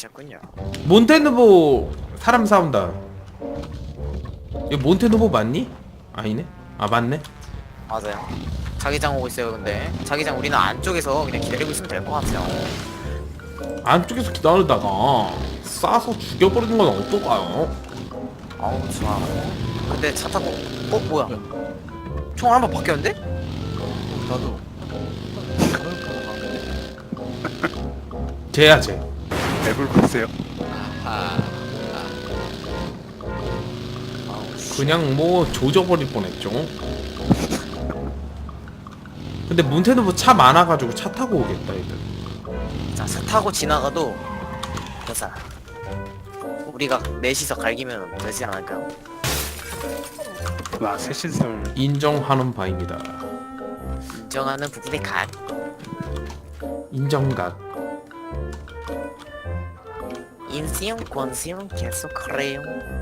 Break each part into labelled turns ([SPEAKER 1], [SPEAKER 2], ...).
[SPEAKER 1] 그러셨군요.
[SPEAKER 2] 몬테누보 사람 싸운다. 이거 몬테누보 맞니? 아니네? 아 맞네?
[SPEAKER 1] 맞아요. 자기장 오고 있어요. 근데 자기장 우리는 안쪽에서 그냥 기다리고 있으면 될 것 같아요.
[SPEAKER 2] 안쪽에서 기다리다가 쏴서 죽여버리는 건 어떨까요?
[SPEAKER 1] 아우 좋아. 근데 차 타고 뭐야? 총 한번 바뀌었는데?
[SPEAKER 3] 나도
[SPEAKER 2] 쟤야 쟤.
[SPEAKER 3] 앱을 보세요.
[SPEAKER 1] 아우 씨.
[SPEAKER 2] 그냥 뭐 조져버릴 뻔했죠. 근데 몬테누보 차 많아가지고 차 타고 오겠다 얘들.
[SPEAKER 1] 자, 차 타고 지나가도 괜찮아. 우리가 넷이서 갈기면 되지 않을까요?
[SPEAKER 3] 와 새신설
[SPEAKER 2] 인정하는 바입니다.
[SPEAKER 1] 인정하는 부분의 각.
[SPEAKER 2] 인정각.
[SPEAKER 1] 인생 권세용 계속 그래요.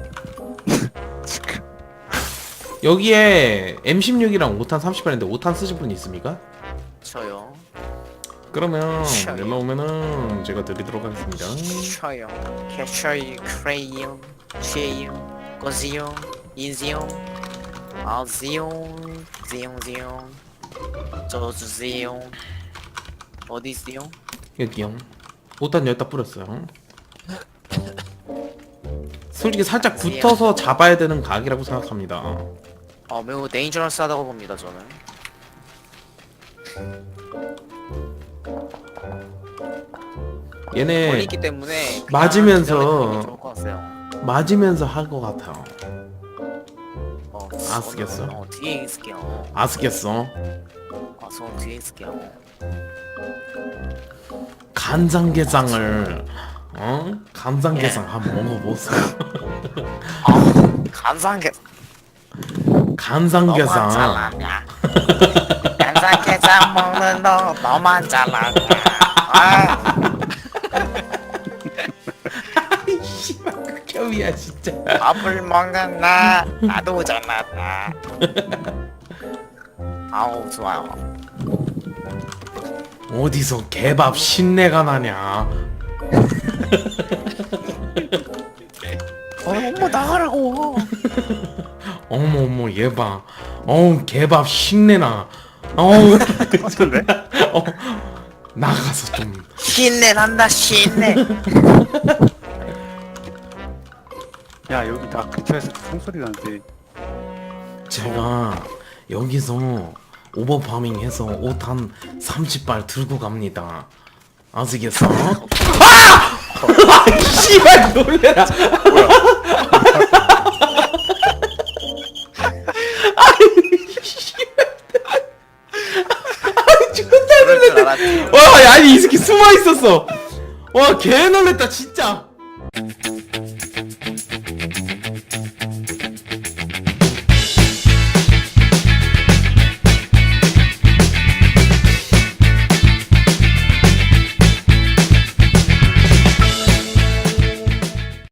[SPEAKER 2] 여기에 M16이랑 5탄 30발인데 5탄 쓰실 분 있습니까?
[SPEAKER 1] 저요.
[SPEAKER 2] 그러면
[SPEAKER 1] 샤요.
[SPEAKER 2] 연락 오면은 제가 드리도록 하겠습니다.
[SPEAKER 1] 저요. 캐셔이 크레용 최용 권세용 인세용 아세용 세용 저주세요. 어디 있어요?
[SPEAKER 2] 여기요. 5탄 여기다 뿌렸어요. 솔직히 살짝 붙어서 잡아야 되는 각이라고 생각합니다.
[SPEAKER 1] 매우 데인저러스하다고 봅니다 저는.
[SPEAKER 2] 얘네
[SPEAKER 1] 멀리있기 때문에 그냥
[SPEAKER 2] 맞으면서-
[SPEAKER 1] 기다리는 게 좋을 것 같아요.
[SPEAKER 2] 맞으면서 할 것 같아요.
[SPEAKER 1] 아
[SPEAKER 2] 쓰겠어.
[SPEAKER 1] 뒤에 있을게요.
[SPEAKER 2] 아스겠어?
[SPEAKER 1] 저 뒤에 있을게요.
[SPEAKER 2] 간장게장을 간장게장 한번 먹어보세요.
[SPEAKER 1] 간장게
[SPEAKER 2] 간장게장.
[SPEAKER 1] 너만 잘났냐? 간장게장 먹는 너 너만 잘났냐? 아,
[SPEAKER 2] 씨발 극혐이야 진짜.
[SPEAKER 1] 밥을 먹는 나 나도 잘났다. 아우 좋아요.
[SPEAKER 2] 어디서 개밥 신내가 나냐?
[SPEAKER 1] 엄마 나가라고.
[SPEAKER 2] 어머 어머 얘 봐. 개밥 신내나. 어우
[SPEAKER 3] 어떤데?
[SPEAKER 2] 나가서 좀.
[SPEAKER 1] 신내 난다 신내.
[SPEAKER 3] 야 여기 나 근처에서 총소리 나는데
[SPEAKER 2] 제가 여기서 오버파밍 해서 5탄 30발 들고 갑니다. 아시겠어? 아! 씨발 놀래라.
[SPEAKER 1] 그럴 줄 알았지.
[SPEAKER 2] 와, 아니 이 새끼 숨어 있었어. 와, 개 놀랬다 진짜.